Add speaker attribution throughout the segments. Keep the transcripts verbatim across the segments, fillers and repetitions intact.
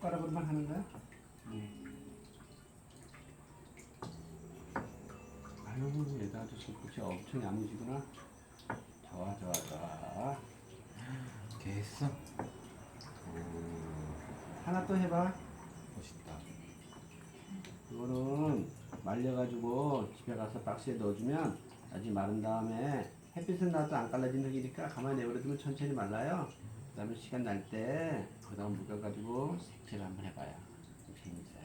Speaker 1: 숟가락으로만 하는 거야? 응. 아유, 얘도 아주 손끝이 엄청 야무지구나. 좋아, 좋아, 좋아.
Speaker 2: 이렇게 했어?
Speaker 1: 하나 또 해봐.
Speaker 2: 멋있다.
Speaker 1: 이거는 말려가지고 집에 가서 박스에 넣어주면 나중에 마른 다음에 햇빛은 나도 안 갈라진 흙이니까 가만히 내버려두면 천천히 말라요. 그 다음에 시간 날 때 거기다가 묶여가지고 색칠 한번 해봐요. 재밌어요.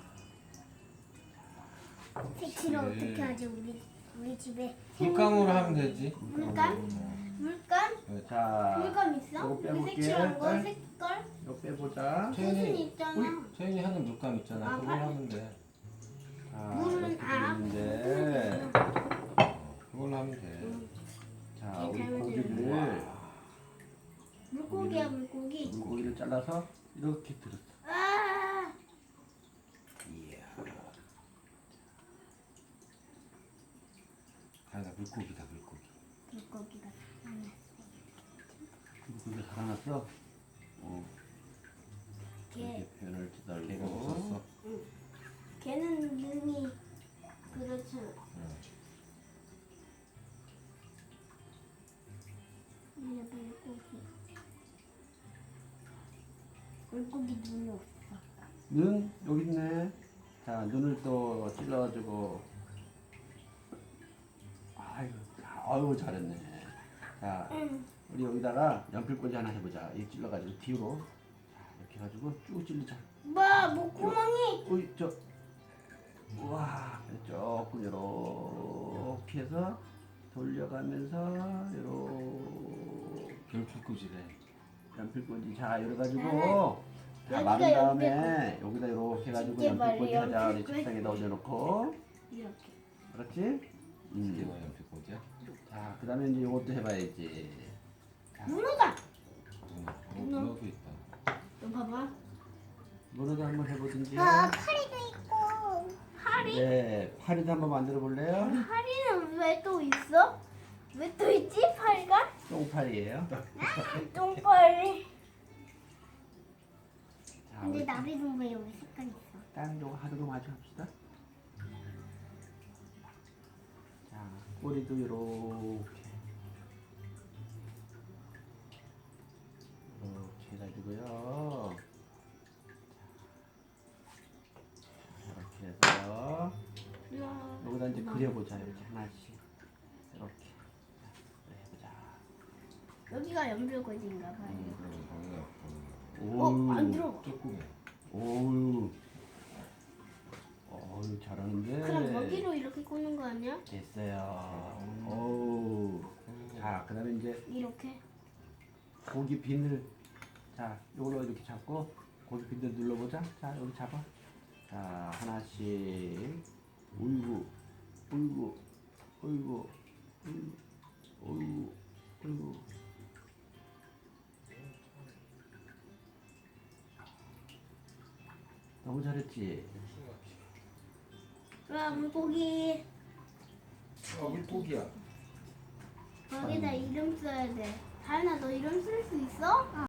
Speaker 3: 색칠을 어떻게 하지? 우리 우리 집에
Speaker 2: 물감으로 하면 되지.
Speaker 3: 물감? 물감?
Speaker 1: 어, 자,
Speaker 3: 물감 있어?
Speaker 1: 요거
Speaker 3: 우리
Speaker 1: 빼볼게.
Speaker 3: 색칠한 거
Speaker 1: 딸.
Speaker 3: 색깔?
Speaker 1: 이거 빼보자.
Speaker 3: 무슨
Speaker 2: 채연이,
Speaker 3: 있잖아.
Speaker 2: 채연이 하는 물감 있잖아.
Speaker 3: 아,
Speaker 2: 그걸
Speaker 3: 발-
Speaker 2: 하면 돼.
Speaker 1: 자,
Speaker 3: 물은
Speaker 1: 이렇게
Speaker 3: 아,
Speaker 1: 되는데,
Speaker 2: 어, 그걸로 하면 돼.
Speaker 1: 자,
Speaker 3: 이게
Speaker 1: 우리
Speaker 3: 잘못
Speaker 1: 고기를
Speaker 3: 물고기야 물고기.
Speaker 1: 물고기를 잘라서 이렇게 들었어.
Speaker 3: 아,
Speaker 1: 이야.
Speaker 2: 아나 물고기다 물고기.
Speaker 3: 물고기가.
Speaker 1: 물고기가 살아났어. 어,
Speaker 3: 걔
Speaker 1: 이렇게 표현을
Speaker 2: 걔가
Speaker 1: 기다리고.
Speaker 2: 웃었어.
Speaker 3: 걔는 눈이 그렇죠.
Speaker 2: 응.
Speaker 3: 이게 물고기. 물고기 눈이 없어.
Speaker 1: 눈 여기 있네. 자, 눈을 또 찔러가지고. 아유, 아유 잘했네. 자,
Speaker 3: 응.
Speaker 1: 우리 여기다가 연필꽂이 하나 해보자. 이 찔러가지고 뒤로. 자, 이렇게 해가지고 쭉 찔리자.
Speaker 3: 뭐 목구멍이.
Speaker 1: 어이, 저, 우와, 조금 이렇게 해서 돌려가면서 이렇게
Speaker 2: 별풀꽂이래.
Speaker 1: 연필꽂이 자 이래가지고 자
Speaker 3: 여기가
Speaker 1: 마른 다음에
Speaker 3: 연필꽂이.
Speaker 1: 여기다 이렇게 해가지고
Speaker 3: 이게 바로
Speaker 1: 연필꽂이 하자. 우리
Speaker 3: 연필꽂이.
Speaker 1: 책상에다 올려놓고
Speaker 3: 이렇게.
Speaker 1: 그렇지?
Speaker 2: 이게
Speaker 1: 음.
Speaker 2: 뭐야 별풀꽂이야?
Speaker 1: 자, 그 다음에 이제 이것도 해봐야지. 자,
Speaker 3: 문어다.
Speaker 2: 응. 어,
Speaker 3: 문어.
Speaker 2: 문어도 있다.
Speaker 3: 너 봐봐.
Speaker 1: 문어도 한번 해보든지.
Speaker 3: 아 파리도 있고. 파리?
Speaker 1: 네, 파리도 한번 만들어 볼래요?
Speaker 3: 파리는 왜 또 있어? 왜 또 있지 파리가?
Speaker 1: 똥파리예요.
Speaker 3: 똥파리.
Speaker 1: 자,
Speaker 3: 근데
Speaker 1: 우리
Speaker 3: 나비는 왜 여기 색깔 있어?
Speaker 1: 다른 거 하루도 마주 합시다. 자, 꼬리도 이렇게 이렇게 해가지고요. 이렇게 해서 여기다 이제 그려보자. 이렇게 하나씩 이렇게 자, 해보자.
Speaker 3: 여기가 연필꽂이인가 봐요.
Speaker 2: 그럼 거기가
Speaker 3: 어, 안
Speaker 1: 오우,
Speaker 3: 들어.
Speaker 2: 조금.
Speaker 1: 오우, 어우 잘하는데.
Speaker 3: 그럼 여기로 이렇게 꽂는 거 아니야?
Speaker 1: 됐어요. 오우. 자, 그다음에 이제
Speaker 3: 이렇게.
Speaker 1: 고기 비늘. 자, 이걸로 이렇게 잡고 고기 비늘 눌러보자. 자, 여기 잡아. 자, 하나씩. 어이구, 어이구, 어이구, 어이구, 어이구, 어이구. 너무 잘했지?
Speaker 3: 와 물고기.
Speaker 2: 아 물고기야.
Speaker 3: 여기다 이름 써야 돼. 다현아 너 이름 쓸 수 있어?